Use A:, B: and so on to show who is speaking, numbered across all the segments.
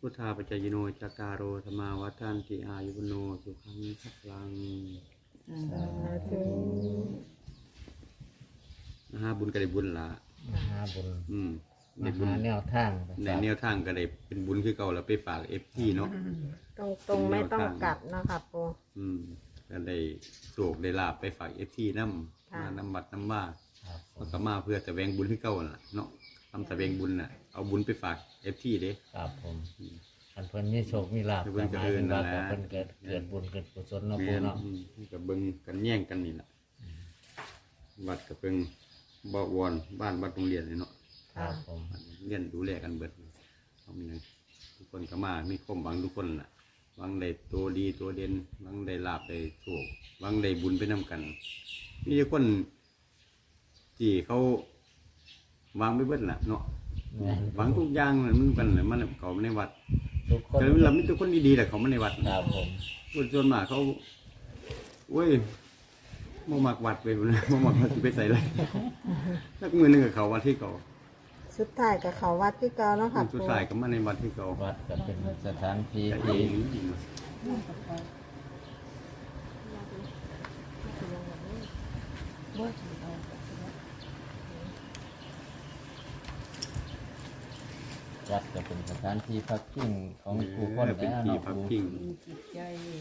A: พุทธาปัจจยโนจัตตารโอธรรมาวัฏันติอายุวโนสุขังพลัง
B: สาธุ
A: บุญก็ได้บุญละ
C: มหาบุญ
A: ได้
C: ม
A: บุญ
C: หาแนวทาง
A: ในแนวทางก็ได้เป็นบุญคือเก่าแล้วไปฝากFTเนาะ
B: ตรงไม่ต้องกลับนะคะปู
A: ก็ได้โศกได้ลาบไปฝากFTน้ำมาน้ำบัดน้ำว่า
C: ครับผ
A: ก็
C: ม
A: มาเพื่อแสวงบุญคือเก่าน่ะเนาะทำแสวงบุญน่ะเอาบุญไปฝากFTเด้
C: ครับผมอันเพิ่นมีโชคมีลาภ
A: เพิ่นก็เอิ้นนั่นแหละ
C: เพิ่นเกิดบุญเกิดกุศลเนาะ
A: แม่
C: ปู่
A: น
C: เนาะ
A: ก็เบิ่งกันแย่งกันนี่ล่ะวัดก็เพิ่งบ่วอนบ้านวัดโรงเรียนนี่เนาะ
C: ครับผม
A: เรียนดูแลกันเบิดเอามีทุกคนก็มามีความหวังทุกคนน่ะหวังได้ตัวดีตัวเด่นหวังได้ลาบได้โชคหวังได้บุญไปนํกันมีแต่คนที่เขาหวังไปเบิดล่ะเนาะ
C: แม่น
A: หวังทุกอย่างน่ะมันกันน่ะมันเขาในวัด
C: ทุกคน
A: แต่เรามีแต่คนดีๆแหละเขามาในวัด
C: ครับผม
A: คนส่วนมากเขาเว้ยบ่มักวัดไปพุ่นนะบ่มักวัดสิไปใส่เลยสักมื้อหนึงก็เขาวัดที่เก่า
B: สุดท้ายกับเขาวัดที่เก่าเนาะค่ะ
A: สุด
B: ปู
A: ท้ายก็มาในวัดที่เก่า
C: วัดก็เป็นสถานที่
A: แต่
C: ที่
A: ที่
C: วัดก็เป็นสถานที่พักพิงของผู้คน
A: เป็น
C: แล้ว
A: ที่
C: เนาะ
A: พัก
C: ปู่
A: พิง
D: จิตใจ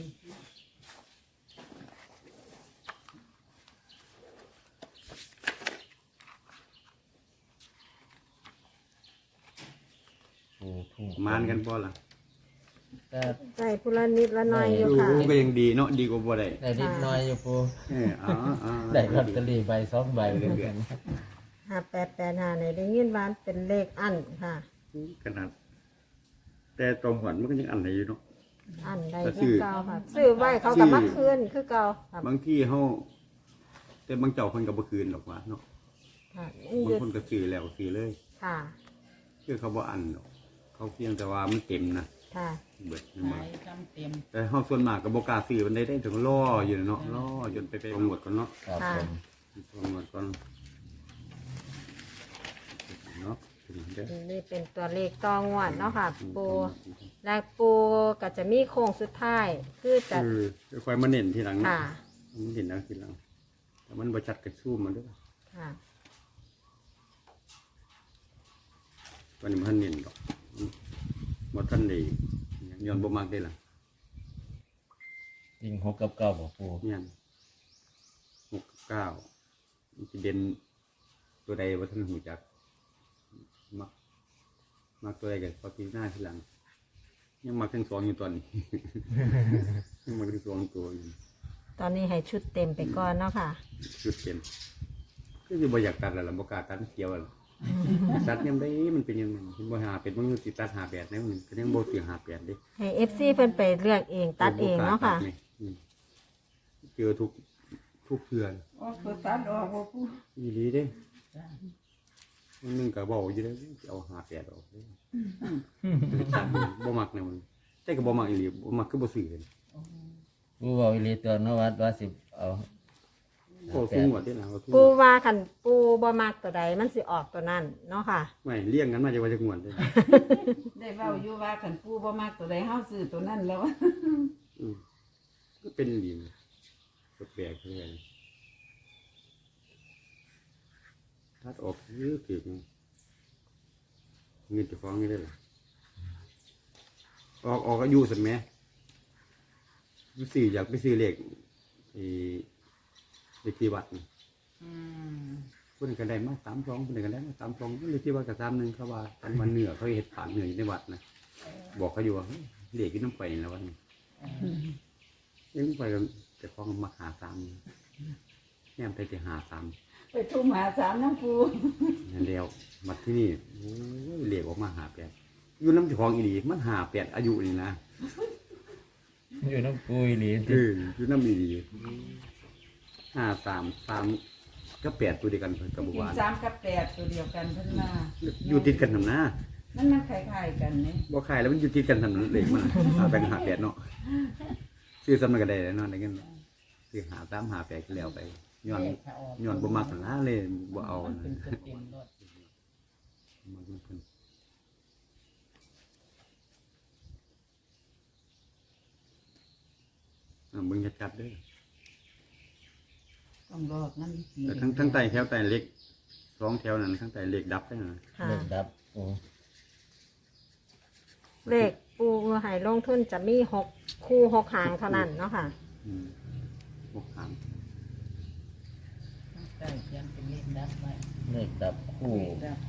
C: ปู่ทุ่ง
A: มานกันบ่ล่ะ
C: แต่
B: ใส่พุละนิดละหน้อยอยู่ค่ะ
A: ก็ยังดีเนาะดีกว่าบ่ได้
C: ได้นิดหน้อยอยู่ปู่
A: ได้
C: ได้ลอตเตอรี่ใบ2 ใบเหมือนกัน
B: 5885ในได้ยินว่าเป็นเลขอันค่ะ
A: ขนาดแต่ตรงหวนมันก็ยังอันไหนอยู่เนาะ
B: อันใด
A: ก็ซื้
B: คือ
A: อ
B: เก่าค่ะซื้อไว้เขากับมาคืนคือเก่าค่ะ
A: บางที่เฮาแต่บางเจ้าเพิ่นก็บ่คืนหรอกว่าเนาะ
B: ค่ะ
A: บางคนก็ซื้อแล้วซื้อเลย
B: ค่ะ
A: คือเขาบ่อันหรอกเขาเพียงแต่ว่ามันเต็มนะ
B: ค่ะ
A: เบิด
D: หายจำเต็ม
A: แต่เฮาส่วนมากก็บ่กล้าซื้อมันได้ถึงล่ออยู่เนาะล่อจนไปหมดก่อนเนาะ
C: ครับผม
A: หมดก่อนเนาะเด้อ
B: นี่เป็นตัวเลขต่องวดเนาะค่ะ ปูและปูก็จะมีโค้งสุดท้าย คือจะ
A: ค่อยมาเน้นทีหลัง
B: ค่ะ
A: มันเห็นแล้วทีหลังแต่มันบ่ชัดกระซูมมันเด้อ
B: ค่ะ
A: ตอนนี้มันเน้นดอกบ่ทันได้ย้อนบ่มักได้ล่ะ
C: ยิง6 กับ 9บ่ปู่
A: เนี่ย6กับ9มันสิเด่นตัวใดบ่ทันหูจักมักตัวใดก็พอพิจารณาทีหลัง ยังมักทั้งสองอยู่ตอนนี้ ยังมักทั้งสองตัวอยู่
B: ตอนนี้ให้ชุดเต็มไปก่อนเนาะค่ะ
A: จุดเปลี่ยนคือสิบ่อยากตัดแล้วล่ะบ่กล้าตัดมันเกี่ยวแล้วตัดยังได้มันเป็นยังไงเห็นบ่หาเป็นมันสิตัด58แนวนึงก็ยังบ่สิ58เด้
B: ให้ FC เพิ่นไปเลือกเองตัดเองเนาะค่ะ
A: เจอทุกเทื่อ
D: ออกตัวตัดออกว่าผู้
A: อีหลีเด้มันนึงก็เว้าอยู่เด้เอา58ออกเด้บ่มักแนวมันแต่ก็บ่มักอีหลีบ่มักคือบ่ซื้อเลย
C: ปู่บอกอีหลีตัวเนาะว่าสิเอา
A: โอ้สูงกว่าเด้ล่ะว่าสูง
B: ปูว่าคันปูบ่มักตัวใดมันสิออกตัวนั้นเนาะค่ะ
A: ไม่เลี้ยงกันมาจะว่าจะงวนเด้
D: ได้เว้าอยู่ว่าขันผู้บ่มากตัวใดเฮาซื้อตัวนั้นแล้ว
A: ก็เป็นดีนะแปลกๆเลยทัดออกเยอะเกินเงินจะฟ้องนี่ได้หรอออกอายุสันไหมซื้ออยากไปซื้อเลขเลขที่วัดนี่ คนกันได้มา32คนกันได้มา32เลขที่วัดกับ31เขาว่าตอนวันเหนือเขาเห็ดผ่านเหนืออยู่ในวัดนะบอกเขาอยู่ว่าเลขที่น้ำไปแล้ววันนี้ยังไปกันแต่ฟ้องมาหา3แง่มไปแต่หา3
D: ไปทุ่มหาสามน้ำปู
A: นั่นแล้วมาที่นี่โอ้ยเลขออกมา58อยู่น้ำเจ้าของอีหลีมัน58อายุนี่นะ
C: อยู่น้ำปู่อีหลี
A: อยู่น้ำอีหลี3 ก็8ตัวเดียวกันกับบุ
D: กิน
A: วาน
D: 3 กับ 8ตัวเดียวกันเพิ่นมา
A: อยู่ติดกันทำหน้า
D: มันคล้ายๆกันนี่
A: บ่ขายแล้วมันอยู่ติดกันทำนั้นเลขมันแบ่ง58เนาะซื้อซ้ำกันได้แล้วเนาะได้เงินซื้อ53 58ก็แล้วไปย้อนบ่มักหน้าเลยบ่เอา
D: มัน
A: นะ
D: เป็นตัวเต็มรถ
A: มาเพิ่นบิ่งชัดๆเด้อ
D: ต้องรอบนั่นสิ
A: แต่ทั้งใต้แถวใต้เล็ก2แถวนั้นทั้งใต้เล็กดับได้นะ
B: ค่ะ
C: เลขดับโอ้
B: เลขปูให้ลงทุนจะมี6คู่6หางเท่านั้นเนาะค่ะ
A: พวกหาง
D: ใช่เขียนเป็นเลขดับไว้
C: เลขดับคู่
D: เลขดับ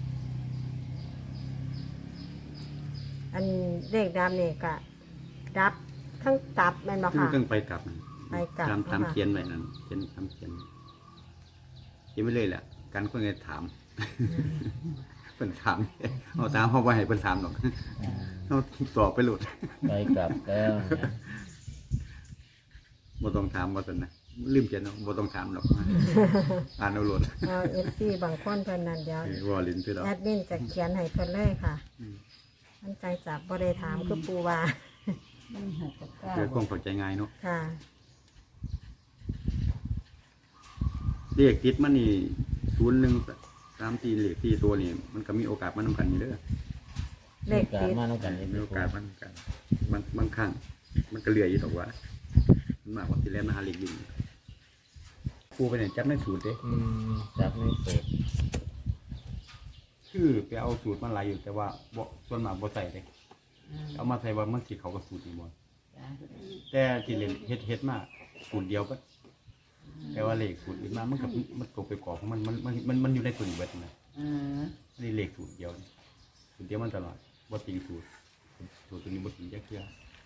B: อันเลขดำนี่ก็ดับทั้งตับแม่นบ่ค่ะ
A: ต้องไปกลับนั่น
B: ไปกลับ
A: ตาม
B: ค่ะ
A: เขียนไว้นั่นเขียนตามเขียนไปเลยแหละการคนจะถามเพิ่นถามเอาตามเฮาบ่ให้เพิ่นถามหรอกเฮาตอบไปโลด
C: ไปกลับแล้วนะ
A: บ่ต้องถามว่าซั่นนะลืมเขียนเนาะบ่ต้องถามหรอกอ่านเอาโลด
B: เอา FC บางคนเพิ่นนั่นเดี๋ยว
A: ว่าลิ้นคือเรา
B: แอดมินจะเขียนให้เพิ่นเลยค่ะ
A: อืม
B: มันใจจับบ่ได้ถามคือปูว่า
D: มันหกกับเก้า
A: เกิดความเข้าใจง่ายเนาะ
B: ค่ะ
A: เลขติดมันนี่0134เลขที่ตัวนี่มันก็มีโอกาสมานำกันอยู่เด้อ
B: เลข
C: การ
B: ติด
C: มาแล้วกัน
A: มีโอกาสมานำกันบางครั้งมันก็เหลืออยู่ดอกว่ามันมากกว่าที่แล้วมาหาเลขอยู่ปูไปเนี่ยจับในสูตรเด้
C: จับไม่เปิด
A: คือไปเอาสูตรมาหลายอยู่แต่ว่าบ่ส่วนมากบ่ใส่เลยเอามาใส่ว่ามันสิเขากับสูตรนี่บ่
D: จ้ะ
A: แต่ที่เล่นเฮ็ดมาสูตรเดียวก็แต่ว่าเลขสูตรอื่นมามันก็มันตกไปกรอบของมันอยู่ในตัวนี้เบิดนะ
D: เออ
A: นี่เลขสูตรเดียวนี่สูตรเดียวมันตลอดบ่ติงสูตรตัวนี้บ่ติงจักเทื่อ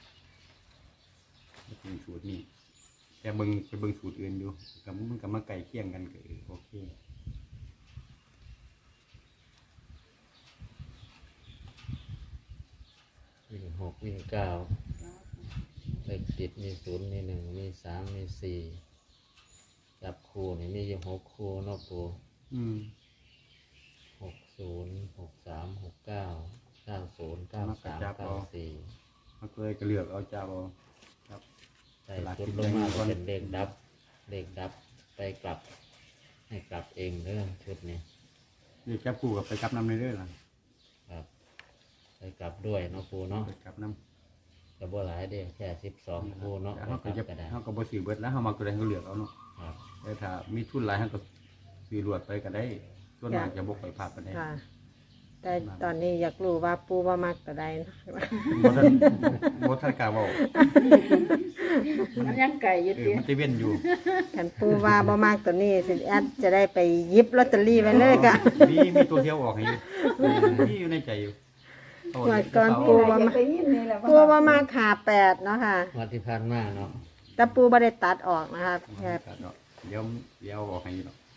A: บ่ติงสูตรนี่แต่ไปเบิ่งสูตรอื่นอยู่ก็มันก็มาใกล้เคียงกันก็โอเค
C: วิ่ง6วิ่ง9เลขติดมี0มี1มี3มี4จับคู่นี่มีอยู่6คู่เนาะปู
A: อืม
C: 60 63 69 90 93 94
A: มันก็เลยก็เลือกเอาเจ้าเอาครับ
C: ใส่ชุดลงมาก็เป็นเลขดับเลขดับไปกลับ ให้กลับเองเรื่องชุดนี้
A: เลขจับคู่กับไปกลับนำเรื่อยๆล่ะ
C: ครับ ไปกลับด้วยเนาะปูเนาะ
A: ไปกลับนำ
C: กระบวหลายเด้แค่12คู่เนาะ
A: เฮา
C: ไป
A: ก็
C: กลั
A: จะ
C: บก็ได้
A: เฮาก็บ่ซื้อเบิดแล้วเฮามาตัวใดเฮาก็เลือกเอาเนาะ
C: ครับ
A: แต่ถ้ามีทุนหลายเฮาก็ซื้อรวดไปก็ได้ส่วนมากจะบ่ค่อยพลาดปานใด
B: ค่ะ แต่ตอนนี้อยากรู้ว่าปูว่ามักตัวใดนะ
A: บ่ทันกล้าเว้า
D: มันยังไก่อยู่ติ
A: มันสิเว้นอยู่
B: คันปูว่าบ่มักตัวนี้สิแอดจะได้ไปหยิบลอตเตอรี่ไว้เลยค่ะ
A: มีตัวเที่ยวออกให้อยู่มีอยู่ในใจอยู่เอา
B: งวดก่อนปู
D: ว่ามาไปยินนี่แหละ
B: ปูว่ามักขา8เนาะค่ะ
C: วันที่ผ่านมาเนาะ
B: แต่ปูบ่ได้ตัดออกนะคะแค่
A: เดี๋ยวออกให้อยู่เนาะ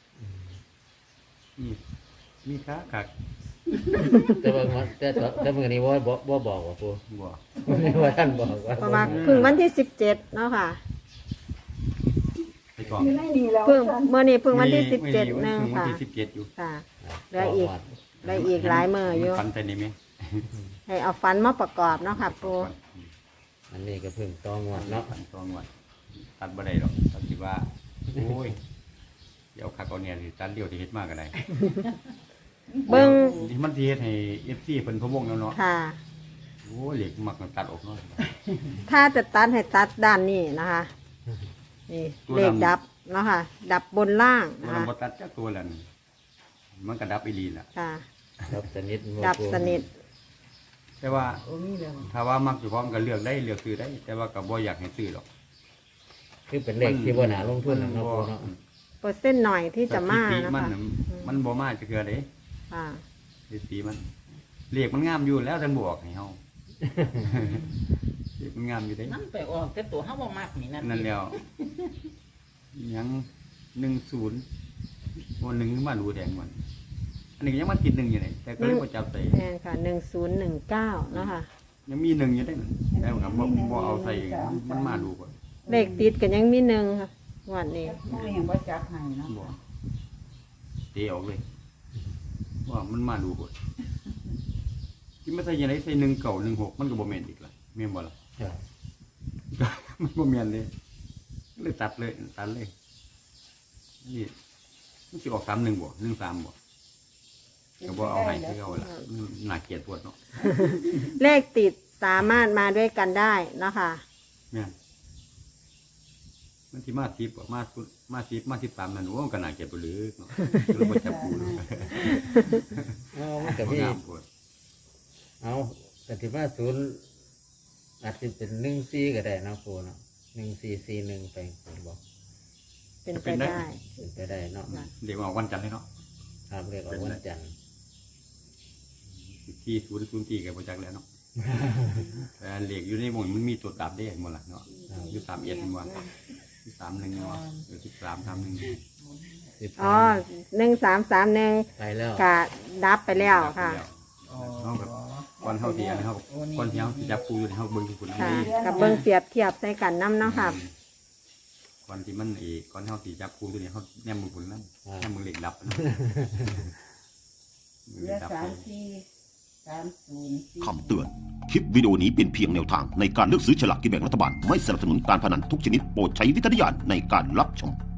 A: มีค้าคัก
C: แต่ว่าแต่เมื่อนี้ว่าบ่บอกว่าปู
A: บ่
C: ไม่ว่าท่านบอกว่า
B: เพราะว่าเพิ่งวันที่17เนาะค่ะ
A: ไปก่อน
D: อยู่ในนี่แล้ว
B: เพิ่งเมื่อนี้เพิ่งวันที่
A: มี
B: 17นึง
A: วัน
B: ค่ะ
A: ที่17อยู่
B: ค่ะเหลืออีกหลายมื้ออยู่
A: ฝันแต่นี่แม่
B: ให้เอาฟันมาประกอบเนาะค่ะปู
C: อันนี้ก็เพิ่งต้องวดเนาะ
A: ฝันตองวดตัดบ่ได้หรอกตัดสิว่าโอ้ยเดี๋ยวคักเอาเนี่ยสิตัดเดียวที่เฮ็ดมากก็ได้
B: เบิ่ง
A: มันสิเฮ็ดให้ FC เพิ่นพะวงแล้วเนาะ
B: ค่ะ
A: โอ้ยเหล็กมักตัดออกเนาะ
B: ถ้าจะตัดให้ตัดด้านนี้นะคะ นี่
A: ตัว
B: เลข
A: ดำ
B: ดับเนาะค่ะ ดับบนล่าง
A: มั
B: นะ
A: น
B: คะ
A: บ่ตัดจักตัวแล้วนี่มันก็ดับอีหลีล่ะ
B: ค่ะ
C: ดับสนิท
B: ดับสนิท
A: แต่ว่า
D: โอ้มีแล้ว
A: ถ้าว่ามักอยู่พร้อมก็เลือกได้เลือกซื้อได้ แต่ว่าก็บ่อยากให้ซื้อหรอก
C: คือเป็นเลขที่บ่น่าลงทุนนะเนาะปูเนาะ
B: เปอร์เซ็นต์หน่อยที่จะมา
A: สถิติ
B: นะ
A: มัน
B: คะ
A: น่ะมันบ่มาจักเทื่อเด้
B: ค่ะ
A: สถิติมันเลขมันงามอยู่แล้วท่านบอกให้เฮา เลขมันงามอยู่เด้
D: มันไปออกแต่ตัวเฮาบ่มักนี่นั่น
A: นั่นแล้วยัง10บ่1มาดูแดงมันอันนี้ก็ยังมาติด1อยู่นี่แต่ก็เลยบ่จับใส่
B: แน่นค่ะ1019เนาะค่ะ
A: ยังมี1อยู่ได้นั่นแต่ว่าก็บ่เอาใส่มันมาดูก่อน
B: เลขติดกันยังมีหนึ่งค่ะงวันนี้
D: โอ้ยยังบ่จับให้เนาะ
A: บ่เตะออกเลย ว่ามันมาดูก่อนที่มาใส่ยังไงใส่1916มันก็บ่แม่นอีกล่ะแม่นบ่ล่ะ
C: ครับ
A: มันบ่แม่นเลยเลยตัดเลยนี่มันสิออก31บ่13บ่ก็บ่เอาให้คือเอาล่ะมันน่าเกลียดปวดเนาะ
B: เลขติดสามารถมาด้วยกันได้เนาะค่ะ
A: แม่นมันที่มา10มา10มา13นั่นโอ้มันก็น่าเก็บไปเลยเนาะคือบ่จับปูเลย
C: เอามันก็มี
A: งามโพด
C: เอาแต่ที่ว่าศูนย์อาจจะเป็น14ก็ได้เนาะปูเนาะ1441ไปบอก
B: เป็นไปได้
C: เป็นไปได้เนาะ
A: เรียกว่าวันจันทร์เลยเนาะ
C: ครับเรียกว่าวันจันทร์
A: ที่004ก็บ่จักแล้วเนาะ แต่เลขอยู่ในหมู่มันมีตัวดับได้หมดล่ะเนาะอยู่31มันว่า31เนาะ13 31
B: อ๋อ1331
C: ไปแล้ว
B: กะดับไปแล้วค่ะ
A: เฮาแบบก่อนเฮาสิอันเฮาก่อนที่เฮาสิจับปูอยู่เฮาเบิ่งทุกคน
B: ค่ะ
A: นี่
B: กับเบิ่งเปรียบเทียบใส่กันน้ำเนาะค่ะ
A: ก่อนที่มันก่อนเฮาสิจับปูตัวนี้เฮาแนมมือพุ่นนั่นแนมมือเลขดับนะมือ
D: เห
A: เล
D: ลือ
A: ขดับ
D: 34 304
E: คำเตือน คลิปวิดีโอนี้เป็นเพียงแนวทางในการเลือกซื้อฉลากกินแบ่งรัฐบาล ไม่สนับสนุนการพนันทุกชนิดโปรดใช้วิจารณญาณในการรับชม